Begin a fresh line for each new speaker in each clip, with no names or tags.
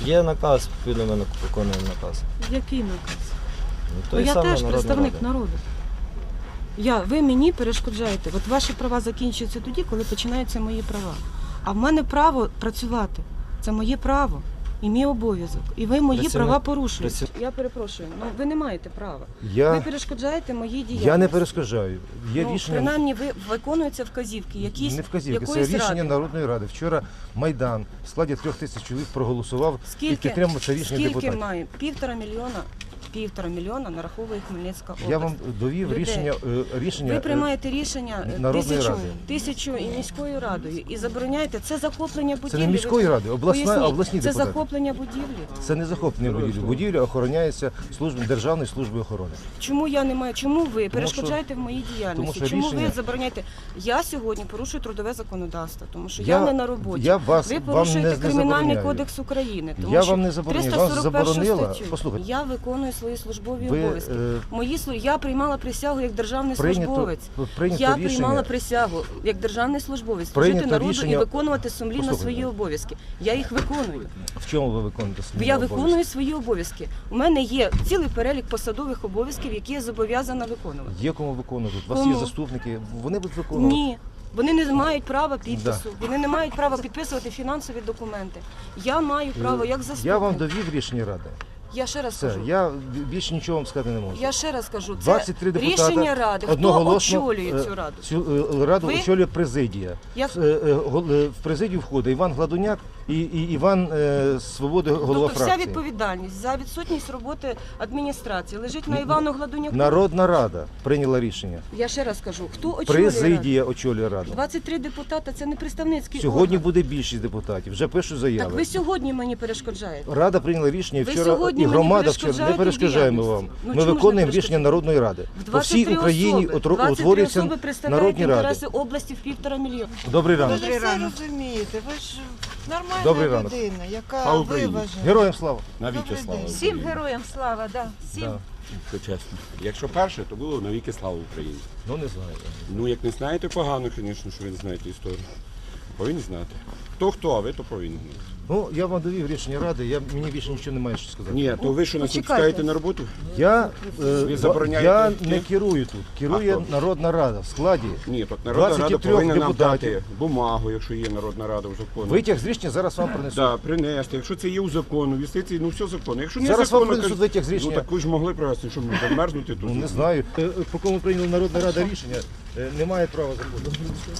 Є наказ, відповідно ми виконуємо наказ.
Який наказ?
Той
Я
самий
теж
Народна
представник
Рада.
народу. Ви мені перешкоджаєте. От ваші права закінчуються тоді, коли починаються мої права. А в мене право працювати. Це моє право і мій обов'язок. І ви мої права порушуєте. Я перепрошую, ви не маєте права. Ви перешкоджаєте моїй діяльності.
Я не перешкоджаю. Є рішення.
Принаймні, виконуються вказівки, якісь
Не вказівки, це
якоїсь
рішення
ради.
Народної Ради. Вчора Майдан в складі 3000 чоловік проголосував і підтримав це рішення депутатів.
Скільки має? 1,5 мільйона нараховує Хмельницька область.
Я вам довів рішення
Ви приймаєте рішення
Народної Ради.
тисячу і міською радою і забороняєте. Це захоплення будівлі.
Це не міської ради, обласні
Це
депутати.
захоплення будівлі.
Це не захоплення будівлі. Будівля охороняється Державною службою охорони.
Чому я не маю? Чому ви перешкоджаєте в моїй діяльності?
тому що
Чому ви
рішення-
забороняєте? Я сьогодні порушую трудове законодавство, тому що я не на роботі. Ви
вам
порушуєте
не
Кримінальний
забороняю.
кодекс України. Тому
Я
що
вам не забороняю. Вас
341
заборонила.
статтю.
Послухайте.
Я виконую свої службові
Ви,
обов'язки. Я приймала присягу як державний службовець.
Прийнято
Я
рішення.
приймала присягу як державний службовець служити
Прийнято
народу
рішення-
і виконувати сумлінно
Послухайте.
свої обов'язки. Я їх виконую.
В чому ви виконуєте свої
Я
обов'язки?
виконую свої обов'язки. У мене є цілий перелік посадових обов'язків, які я зобов'язана виконувати.
Є кому виконувати. У вас
Кому?
є заступники, вони будуть виконувати.
Ні. Вони не мають права підпису, вони не мають права підписувати фінансові документи. Я маю право як заступник.
Я вам довів рішення Ради.
Я ще раз
Все,
кажу.
я більше нічого вам сказати не можу.
Я ще раз кажу, це
23 депутати
рішення Ради. Хто
одноголосно,
очолює цю Раду?
Цю Раду
Ви?
очолює президія. В президію входить Іван Гладуняк і Іван Свободи, голова
Тобто
фракції.
вся відповідальність за відсутність роботи адміністрації лежить на Івану Гладуняку?
Народна Рада прийняла рішення.
Я ще раз кажу, хто очолює Раду?
Президія очолює Раду.
23 депутата – це не представницький
Сьогодні
орган.
буде більшість депутатів, вже пишуть заяви.
Так ви сьогодні мені перешкоджаєте.
Рада прийняла рішення, і
Ви
вчора
сьогодні
і
мені
громада вчора не
перешкоджаєте
перешкоджаємо
діяльності.
вам.
Ну,
Ми
чому ж не
виконуємо рішення
перешкоджаєте?
Народної Ради.
В
По всій
23
Україні
особи. 23
утворюються
особи представляють
народні ради.
інтереси області в 1,5 мільйона.
Добрий
Ви
ранок.
ж все розумієте, ви ж
Добрий
нормальна
ранок.
людина, яка
Слава Україні.
виважена.
Героям слава.
Навіки
Добрий
слава.
день.
Всім героям слава, да. Всім.
Да.
Це чесно. Якщо перше, то було навіки слава Україні.
Ну не знаю.
Ну, як не знаєте, погано, звісно, що ви не знаєте історію. Повинні знати. Хто, а ви то повинні знати.
Ну, я вам довів рішення Ради, мені більше нічого немає що сказати.
Ні, то ви що нас не
Почекайте.
пускаєте на роботу?
Я
забороняєте
не
йти?
керую тут. Керує
А хто?
Народна Рада в складі.
Ні, так Народна Рада
23
повинна нам
депутатів.
дати бумагу, якщо є Народна Рада в законі.
Витяг з рішення зараз вам принесу.
Да, принести. Якщо це є у закону, в юстиції, ну все законно. Якщо не
Зараз
законно,
вам принесуть
кажуть,
витяг з рішення.
Ну так ви ж могли привезти, щоб не замерзнути тут.
Ну, не знаю. По кому прийняла Народна Рада рішення, немає права закону.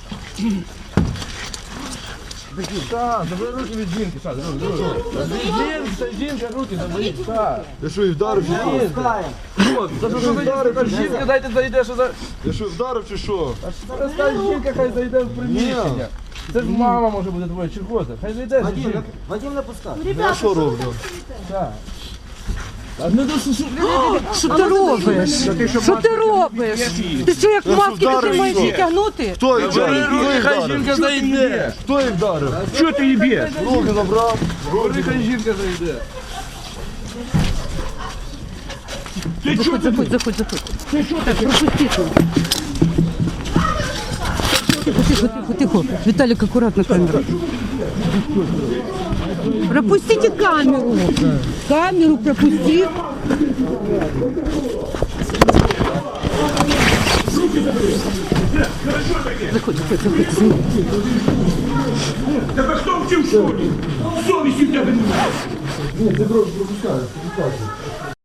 Так, забери руки від жінки, так, жінка, руки заберіть, так.
Я що, і вдарив, чи що?
За що ви вдарив? Жінка, дайте зайде, що за...
Я що, вдарив, чи що?
Та жінка хай зайде в приміщення. Це ж мама може бути твоя, чи хто це? Хай зайде жінка.
Вадим не пускай.
Я що роблю?
Так. А не до
Що ти робиш? Що ти робиш? Ти що, як маски
вдарив,
ти маєш
що?
відтягнути?
Хто їх
Бери
вдарив?
руки,
Хто їх
хай
вдарив?
жінка зайде.
Хто їх вдарив?
Що ти її б'єш?
Руки забрав.
Бери, хай жінка зайде.
Заходь. Так, пропусти тут. Тихо. Виталик, аккуратно камеру. Пропустите камеру. Камеру пропусти. Заходь.
Тебе хто вчив в школі? Совісті в тебе немає.
Ні, ти пропускаєш.